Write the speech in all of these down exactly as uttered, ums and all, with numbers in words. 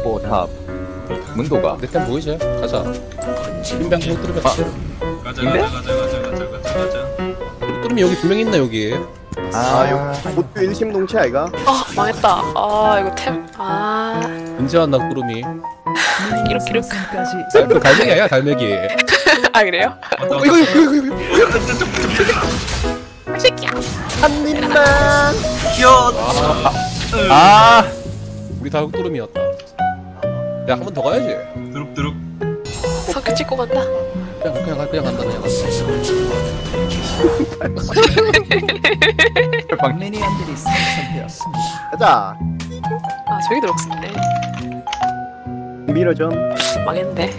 있고 탑 문도가 내 템 보이지? 가자. 인병 못 뚫으면 아. 아. 가자 근데? 가자 가자 가자 가자 가자 가자. 못 뚫으면 여기 두 명 있나 여기? 아 모두 일심동체 아이가? 아 망했다. 아 이거 템. 아 언제 왔나 구름이? 이렇게 이렇게. 그 갈매기 아니야 갈매기. 아 그래요? 어, 이거 이거 이거 이거. 새끼야. 한 입만. 귀여워. 아 우리 다 뚫음이었다. 야 한 번 더 가야지. 드룩드룩. 석유 찍고 간다. 그냥 그냥 가- 그냥 간다 그냥 간다. 미니언들이 생성되었습니다. 가자. 아 저기 들어갔네. 밀어 좀. 망했네.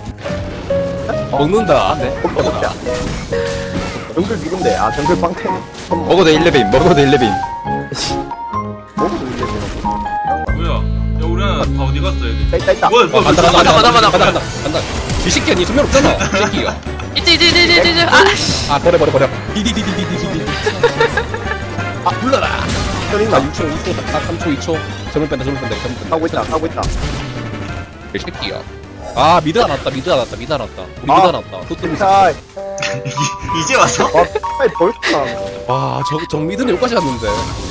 먹는다. 네. 먹자. 정글 누군데? 아 정글 빵템. 먹어도 일레빔 먹어도 일레빔 먹어도 이제 뭐야? 야 우리 하나 다 어디 갔어 얘들? 있다 있다 있다. 뭐야 뭐야 간다 뭐야? 간다 간다 간다, 간다 간다, 간다 간다. 이 새끼야 니 두명 없잖아. 이 새끼가. 이제 이제 이제 이제 이제 아 씨. 아 버려 버려 버려. 디디디디디디디. 아 불러라. 때린다. 아 육 초 이 초 아 삼 초 이 초. 점을 뺀다 점을 뺀다 점을 뺀다. 하고 있다 하고 있다. 이 새끼야. 아 미드 안 왔다 미드 안 왔다 미드 안 왔다. 우리 아. 미드 안 왔다. 뚜뚜미. 자, 이제 왔어? 아 빨리 벌써. 와저 정미드는 여기까지 왔는데.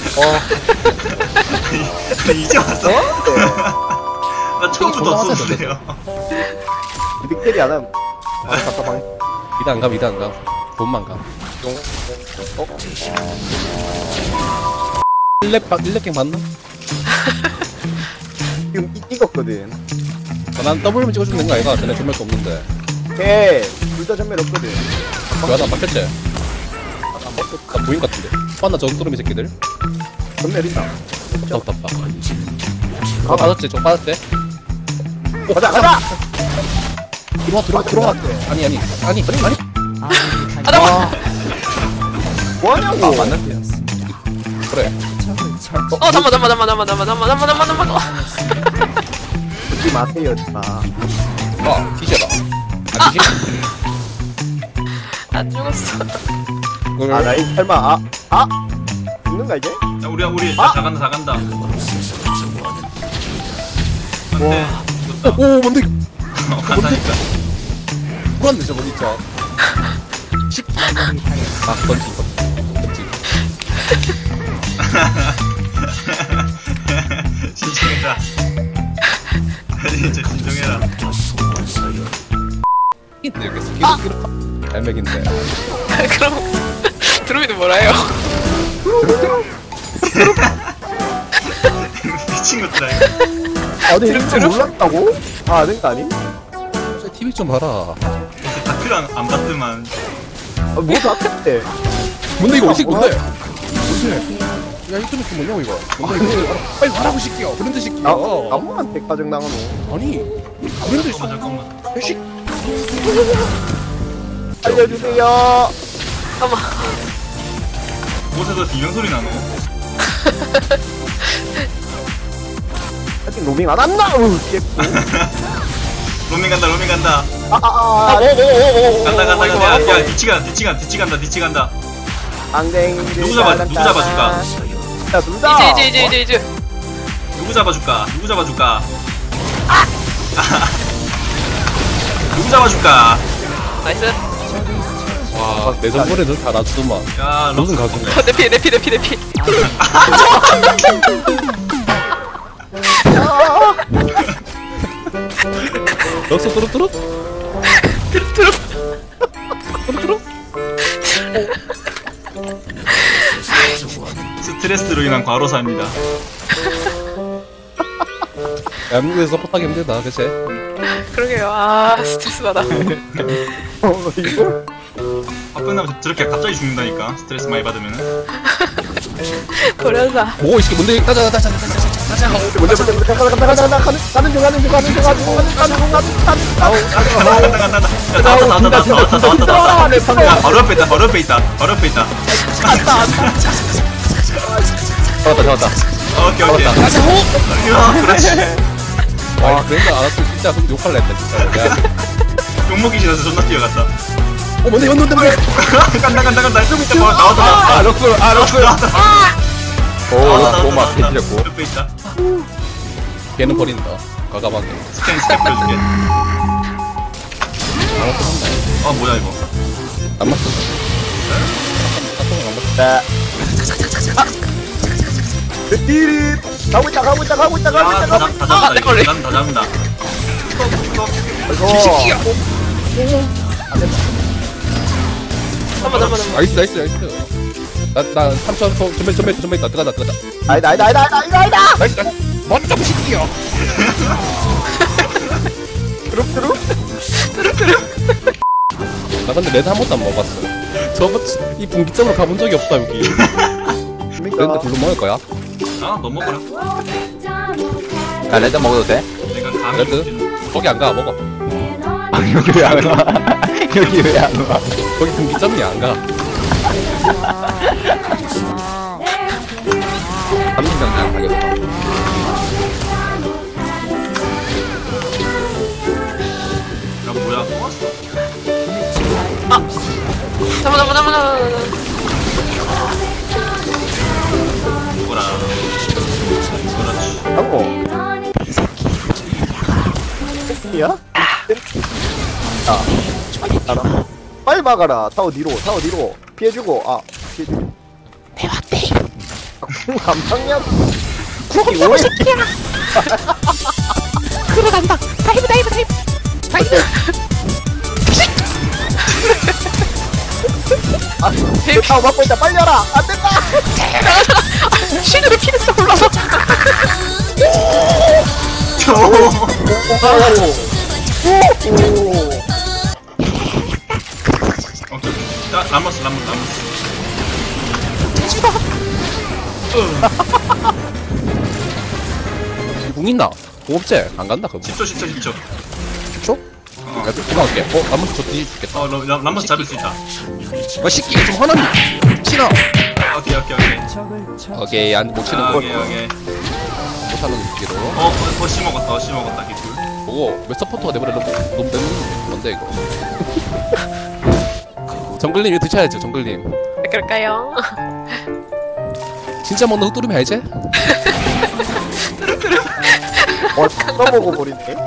이제 왔어? 네. 나 처음부터 존나 없었는데요. 빅테리 안 함. 아 답답하네. 미드 안 가 미드 안 가. 돈만 가. 일렙 박 일렙 갱 맞나? 지금 이 찍었거든. 아, 난 더블만 찍어주면 되는 거 아이가? 쟤네 전멸도 없는데. 걔 둘 다 전멸 없거든. 왜 나 막혔지? 나 보인 것 같은데. 봤나 저뚜름이 새끼들? 전멸 있다. 더 떴다. 아 빠졌지? 좀 빠졌대? 오, 가자 가자. 들어와 들어와 들어와. 아니 아니 아니 아니. 아군이 아 잠깐. 뭐하냐고. 아 맞는데 그래. 적을 처치. 어 잠만 잠만 잠만 잠만 잠만 잠만 잠만 잠만 잠만. 듣지 마세요 마. 아 뒤져라. 아 뒤지? 안 죽었어. 아 라인 설마 아 아. 죽는가 이제? 야 우리 우리 아! 다 간다 다 간다. 안돼. 오, 죽었다. 오 뭔데? 어, 간다니까. 불안데 저거 진짜. 아군이 당했습니다. 아 던지 던지. 진정해라. 진짜 진정해라. 근데 여기 스킬 스킬 갈매기인데. 그럼 드루미는 뭐라 해요? 미친 것들아. 이거. 아 근데 이거 몰랐다고? 아 아는 거 아니? 티비 좀 봐라. 이제 다크를 안, 안 봤더만. 아 뭐도 아깝대. 뭔데 이거 어떻게 뭔데? 뭔데? 야 이거 좀 뭐냐고 이거? 뭔데 이거? 빨리 말하고 시키요. 브랜드 시키요. 나 나무한테 가정 당하노. 아니 브랜드 잠깐만 잠깐만. 식. 알려주세요. 잠깐만. 곳에서 비명 소리 나노. 아직 로밍 안 왔나? 으 깼고. 로밍 간다 로밍 간다. 아아아. 간다 간다 간다. 야, 야 뒤치 간다 뒤치 간다 뒤치 간다 뒤치 간다. 앙댕이. 누구 잡아 누구 잡아줄까? 자 둘다. 이제 이제 이제 이제 이제. 누구 잡아줄까? 누구 잡아줄까? 누구 잡아줄까? 나이스. 와 내전번에는 다 놔주더만. 야 무슨 럭스 가수네. 어, 내피 내피 내피 내피. 럭스 뚜루뚜루? 드루 뚜루뚜루? 스트레스로 인한 과로사입니다. 대한민국에서 서포트하기 힘들다 그치? 그러게요. 아 스트레스 받아. 어 이거. 바쁜 남 저렇게 갑자기 죽는다니까. 스트레스 많이 받으면은. 고려사. 오 이씨 뭔데? 가자 가자 가자 가자 가자. 먼저 먼저 먼저 가자 가자 가자 가자 가는 가는 중 가는 중 가는 중 가는 중 가는 중 가는 중 가는 중 아우 간다 간다 간다. 야 나왔다 나왔다 나왔다 나왔다 나왔다 나왔다. 야 바로 옆에 있다 바로 옆에 있다 바로 옆에 있다. 잡았다 잡았다 오케이 오케이. 야 그렇지. 와 그런 거 알았으면 진짜 그럼 욕할라 했다 진짜. 야. 욕먹기 싫어서 존나 뛰어갔다. 어 뭔데 뭔데 뭔데? 간다 간다 간다. 좀 이따 나왔다 아 나왔다. 럭스 아 럭스 나왔다 나왔다. 오 고마 개지렸고 옆에 있다. 걔는 버린다. 과감하게. 스캔 스캔 보여줄게. 어 뭐야 이거? 안 맞어. 자. 띠릿. 가고 있다, 가고 있다, 가고 있다, 가고 있다, 가고 있다. 야다 잡는다 이거. 난 다 잡는다. 이거. 잠깐만 잠깐만 잠깐만. 나이스 나이스 나이스. 나나 삼 초 더 전멸 전멸 전멸 있다. 들어가자 들어가자. 아니다, 아니다, 아니다, 아니다, 아니다, 아니다. 나이스 나이스. 먼저 시키요. 드롭, 드롭. 나 근데 레드 한 번도 안 먹어봤어. 저번 이 분기점으로 가본 적이 없다 여기. 레드 그러니까. 불로 먹을 거야? 아너 먹어라. 야 레드 먹어도 돼? 내가 감이 레드? 없긴- 거기 안 가 먹어. 아 여기 왜 안 와? 여기 왜 안 와? 거기 분기점이 안 가. 삼진장 가겠다. 야 뭐야 또 왔어? 잠깐만 잠깐만 잠깐만. 뭐라? 그렇지. 하고. 야? 아. 알아. 빨리 막아라. 타워 뒤로, 타워 뒤로. 피해주고, 아, 피해주고. 대박대. 안 막냐? 쿠키 오해. 들어간다. 다이브 다이브 다이브. 다이브. 아, 타워 막고 있다. 빨리 와라. 안 된다. 실드로 피드 싹 올라서. 오. 오케이. 야 라모스 라모스 라모스. 궁 있나? 궁 없지? 안 간다 그럼. 십 초 십 초 십 초. 십 초? 야, 도망갈게. 어, 나머지 저 뒤에 죽겠다. 어 라- 라- 라모스 잡을 수 있다. 아, 새끼 좀 화나니. 치나. 오케이 오케이 오케이. 적을 쳐 오케이, 안, 못 치는 아, 거. 오케이 오케이. 못 하는 새끼로. 어 더시 먹었다 더시 먹었다 개꿀. 보고, 왜 서포터가 내버려 놓, 놓으면 되는 건데, 이거. 정글님 이거 드셔야죠, 정글님. 왜 그럴까요? 진짜 먹는 흑두름 알지? 어, 다 먹어버리네.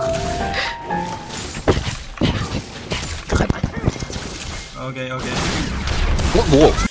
오케이 오케이. 어, 뭐?